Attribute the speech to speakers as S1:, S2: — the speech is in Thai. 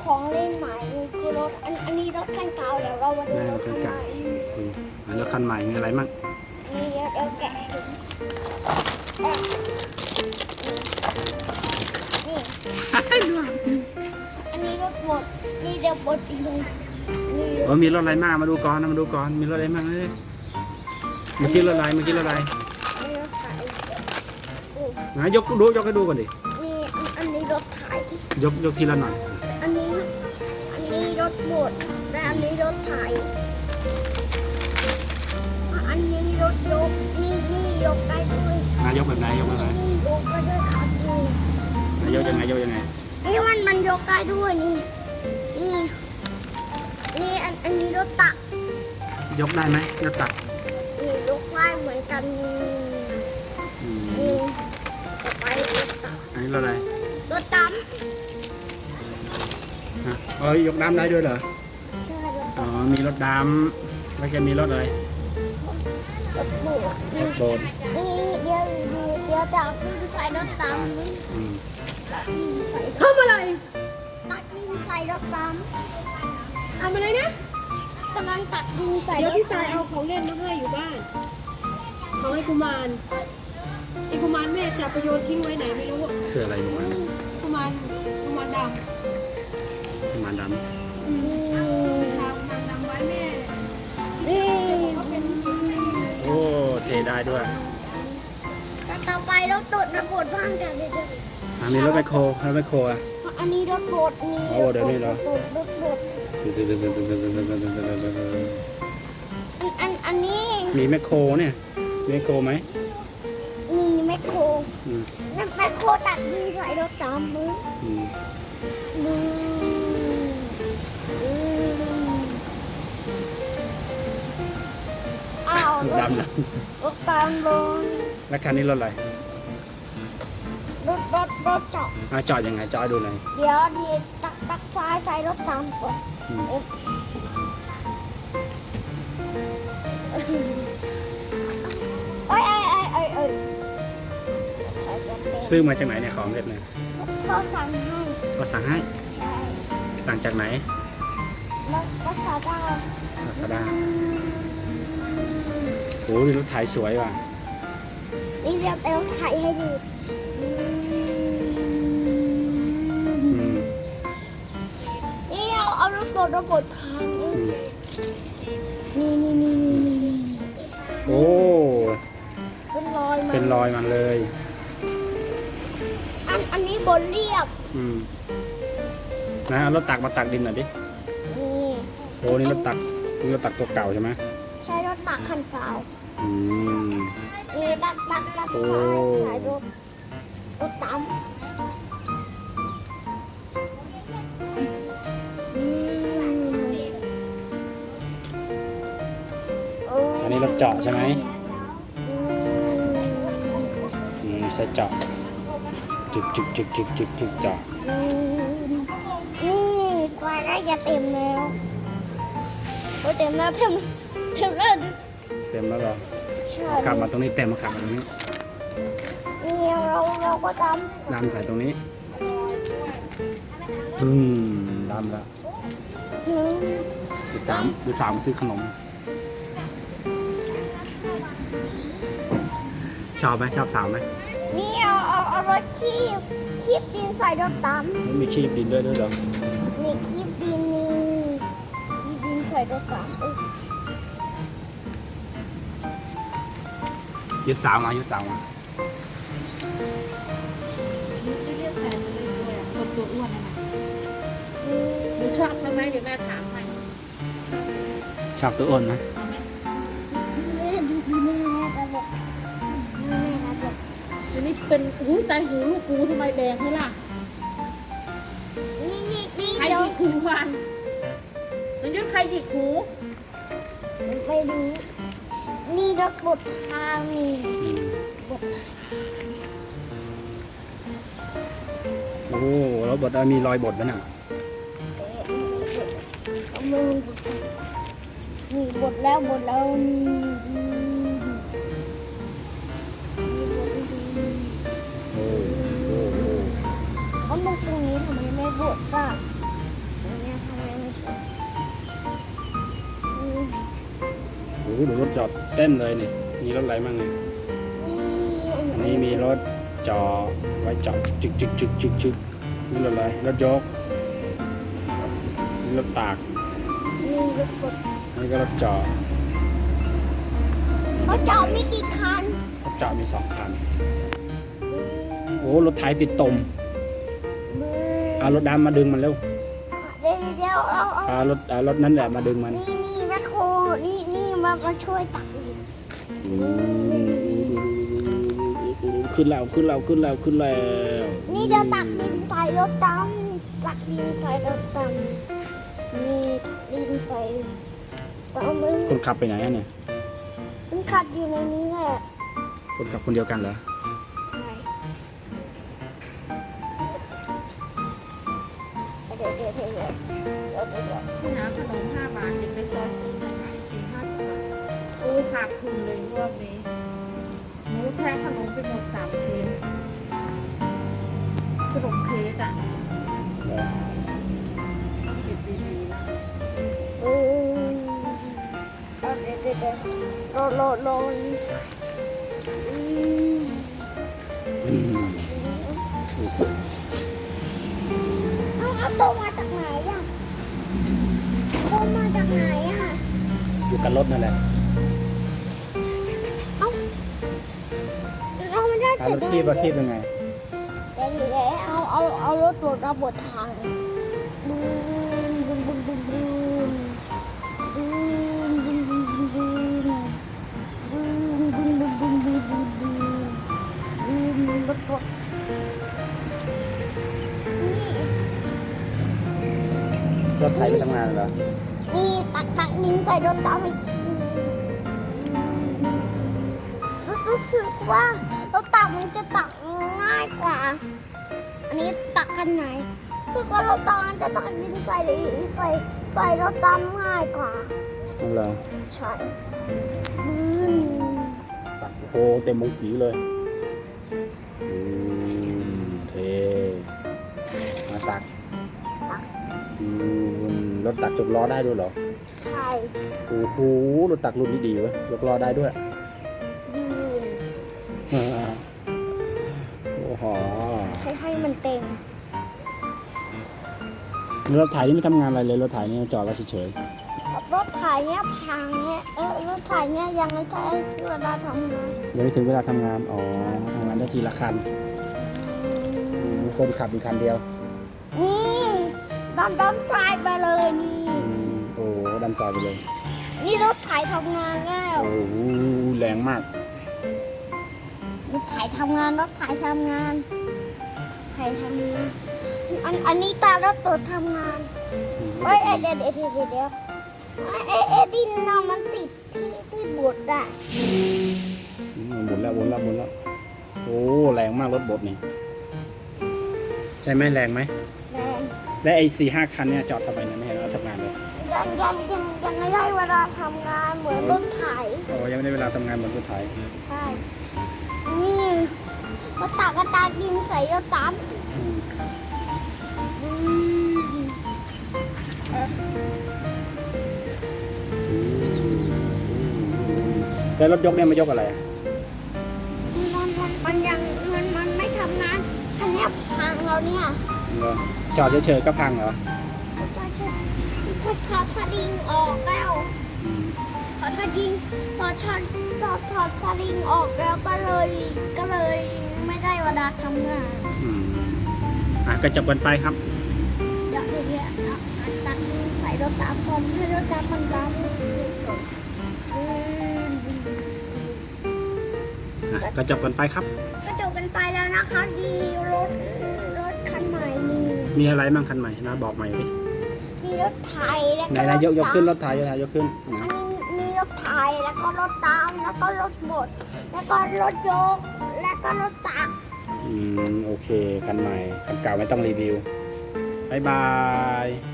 S1: ของเล่นใหม่คือรถอันนี้รถคันเก่าเดี๋ยวเรามาดูรถคันใหม่
S2: แล้วคันใหม่มีอะไรมั่ง
S1: นี่เดี๋ยวแกะนี่อันนี้รถบดนี่เดี๋ยวบดอีกเลยนี่
S2: มีรถอะไรมากมาดูก่อนมาดูก่อนมีรถอะไรมั่งเลยเมื่อกี้รถอะไร
S1: นี่รถไฟ
S2: ยกให้ดูก่อนดิ
S1: นี่อันนี้รถไถ
S2: ยกทีละหน่อย
S1: อันนี้รถบดและอันนี้รถไถอันนี้รถยกนี่ยกได้ด้วย
S2: นายกแบบไหนยกแบบไหน
S1: นี่ยกได้ด้วยครับนี่
S2: นายกยังไง
S1: นี่มันยกได้ด้วยนี่อันนี้รถตัก
S2: ยกได้ไหมรถตัก
S1: นี่ยกได้เหมือนกันนี่ต่อไปรถตัก
S2: อันนี้รถอะไร
S1: รถด
S2: ฮะยกน้ำได้ด้วยเหรอ
S1: ำใช่รถ
S2: อ๋อมีรถดำแล้วจะมีรถอะไร
S1: รถโบด
S2: รถโบน
S1: นี่เดี๋ยวตักดินใส่รถดำตักดินใส่
S3: ทำอะไร
S1: ตักดินใส่รถด
S3: ทำอะไรนะ
S1: ำกำลังตักดินใส่
S3: เดี๋
S1: ร
S3: ยว
S1: ถ
S3: พี่สาย
S1: ดำ
S3: เอาของเล่นมาให้อยู่บ้านของไอ้กุมารไอ้กุมารแม่จับไปโยนทิ้งไว้ไหนไม่รู้อะ
S2: คืออะไรอยู่วะ
S3: กุมารด
S2: มันด
S3: ำชาวกุมารดำไว้แม่
S1: นี่
S2: ำโอ้เทได้ด้วย
S1: ต่อไปรถตุดระบดบ้างกันเลย
S2: มีรถไมโครอ่ะ
S1: อันนี้รถบดนี่
S2: โอ้เดี๋ยวนี้เหรอ
S1: รถบดอันนี้
S2: มีแมคโครเนี่ยมีแมคโครไหม
S1: นี่แมคโคร
S2: อืม
S1: นั่นแมคโครตักดินใส่รถตามมือ
S2: อืม
S1: อ้าวรถ
S2: ดำนะ
S1: รถตามบน
S2: แล้วคันนี้รถอะไร
S1: รถจอด
S2: จอดยังไงจอดดูหน่อย
S1: เดี๋ยวดีตักซ้ายใส่รถตามก่อน
S2: อืม
S1: เอ้ยใส่จะเป็น
S2: ซื้อมาจากไหนเนี่ยของเล็บเนี่ย
S1: เขาสั่งให้
S2: ก็สั่งให้
S1: ใช่
S2: สั่งจากไหน
S1: รักษาได้
S2: ลาซาด้าโอ้ยรถไถสวยว่ะ
S1: นี่เดี๋ยวเอลไทยให้ดู
S2: อืม
S1: นี่เอาระบบทาง
S2: อืม
S1: นี่
S2: โอ้
S1: เป็นรอยมา
S2: เป็นรอยมันเลย
S1: อันนี้บนเรียบ
S2: อืมนะเอารถตักมาตักดินหน่อยดิ
S1: นี่
S2: โอ้นี่รถตักตัวเก่าใช่ไหม
S1: ใช้รถตักคันเก่า
S2: อืม
S1: นี่ตัก
S2: โอ้
S1: สายรถตาม
S2: อันนี้รถเจาะใช่ไหมใส่เจาะจึกเจาะ
S1: นี่สายใกล้จะเต็มแล้วโอ้เต็มแล้ว
S2: เต็มแล้วเหรอ
S1: ใช่
S2: ขับมาตรงนี้เต็มมาขับมาตรงนี้
S1: นี่เราก็ตาม
S2: ดำใส่ตรงนี้ดำแล้วดูสามมาซื้อขนมชอบไหมชอบสาวไหม
S1: นี่เอารถคีบดินใส่รถตาม
S2: มันมีคีบดินด้วยเหรอ
S1: นี่คีบดินใส่รถตาม
S2: ยึดสาวมา
S3: เรียกแฟนเลยด้วยคนตัวอ้วนนะหนูชอบทำไมเดี๋ยวแม่ถามให้
S2: ชอบตัวอ้นไหม
S1: แม่ระบบ
S3: ทีนี้เป็นใจหูลูกปูทำไมแดงให้ล่ะ
S1: นี่
S3: ใคร
S1: เดี๋ยว
S3: หยิกหูมันมันยุดใครหยิกหู
S1: ไปดูนี่รถบดทางนี่
S2: อืม
S1: บด
S2: โอ้แล้วบดมีรอยบดไหมน่ะ
S1: เอามือบดนี่บดแล้วนี่บดจริง
S2: โอ้
S1: เอามันตรงนี้ทำไมไม่บดบ้าง
S2: มโหดูรถจอดเต็มเลยนี่มีรถอะไรบ้างเนี่ยอันนี้มีรถจอดไว้จอดจึกนี่รถอะไรรถยกนี่รถตาก
S1: มีรถกด
S2: นี่ก็รถจอด
S1: เขาจอดไม่กี่คัน
S2: รถจอดมี2 คันโอ้รถไถติดตมเอารถดำมาดึงมันเร็ว
S1: เดี๋ยวเอา
S2: รถนั้นแหละมาดึงมัน
S1: นี่แม่โคนี่มาช่วยตักอีก
S2: ขึ้นแล้ว
S1: นี่เดี๋ยวตักดินใส่รถดำตักดินใส่รถดำนี่ดินใส่ดำมึง
S2: คนขับไปไหนอะเนี่ย
S1: มันขัดอยู่ในนี้แหละ
S2: คนขับคนเดียวกันเหรอ
S1: ใช่เดี๋ยว
S4: พี่น้ำขนม5 บาทเด็กเลยซอยซื้อมาขาย4-50 บาทโอ้ขาดทุนเลยรอบนี้หนูแทงขนมไปหมด3 ชิ้นขนมเค้กอ่ะเก็บดีๆนะ
S1: เดี๋ยวรอนี่ใส่เอาโตมาจากไหนอ่ะโตมาจากไหนอ่ะ
S2: อยู่กันรถนั่นแหละ
S1: เราไม่ได้
S2: รถคีบยังไง
S1: เดี๋ยวเอารถตรวจระบบทางบูมบูมบูมบูมบูมบูมบูมบูมบูมบูมบูมบูมบูมบูมบูมบูมบูมบูมบูมรถกดนี่
S2: รถไถไปทำงานเหรอ
S1: นี่ตักดินใส่รถดำอีกทีรู้สึกว่ารถตักมันจะตักง่ายกว่า อันนี้ตักกันไหนรู้สึกว่ารถตักมันจะตักดินใส่รถดำง่ายกว่า
S2: นั่นเหรอ
S1: ใช่
S2: ตักโอ้โหเต็มมุ้งกีเลยเทมาตักรถตักจกล้อได้ด้วยเหรอ
S1: ใช่
S2: โอ้โหรถตักรุ่นนี้ดีเว้ยยกล้อได้ด้วย
S1: ยืน
S2: โอ้โห
S1: ให้มันเต็ม
S2: รถไถนี่ไม่ทำงานอะไรเลยรถไถนี่จอดไว้เฉย
S1: รถไถเนี้ยพังเนี้ยรถไถเนี้ยยังไม่ใช่เวลาทำงาน
S2: ๆยังไม่ถึงเวลาทำงานอ๋อทำงานได้ทีละคันคนขับอีกคันเดียว
S1: นี่ดำทรายไปเลยนี่
S2: โอ้ดำซอยไปเลย
S1: นี่รถไถทำงานแล้ว
S2: โอ้โหแรงมาก
S1: รถไถทำงานอันนี้ตารถตัวทำงานเอ้ยเดี๋ยวดินน่ะมันติดที่บดอ่ะ
S2: หมุนแล้วโอ้แรงมากรถบดนี่ใช่ไหมแรงไหม
S1: แรง
S2: และไอ้4-5 คันเนี่ยจอดทำไมเนี่ยไม่เห็นเราทำงานเลย
S1: ยังไม่ได้เวลาทำงานเหมือนรถไถ
S2: โอ้ยังไม่ได้เวลาทำงานเหมือนรถไถ
S1: ใช่นี่รถตักก็ตากดินใส่รถตัก
S2: แล้วรถยกเนี่ยมายกอะไร
S1: มันไม่ทำงานคันเนี้ยพังแล้วเนี่ย
S2: จอดเฉยๆก็พังเหรอ
S1: ถอดสลิงออกแล้วถอดสลิงออกแล้วก็เลยไม่ได้เวลาทำงาน
S2: ก็จบกันไปครับ
S1: เดี๋ยวตักใส่รถตามผมให้รถตามมันดำ
S2: ก็จบกันไปครับ
S1: ก็จบกันไปแล้วนะคะดีรถคันใหม่มี
S2: มีอะไรบ้างคันใหม่นะบอกใหม่ดิ
S1: มีรถไถแล้ว
S2: ไห
S1: ก็
S2: นๆยกขึ้นรถไถยกขึ้น
S1: อันนี้มีรถไถแล้วก็รถตามแล้วก็รถบดแล้วก็รถยกแล้วก็รถตัก
S2: โอเคคันใหม่คันเก่าไม่ต้องรีวิวบ๊ายบาย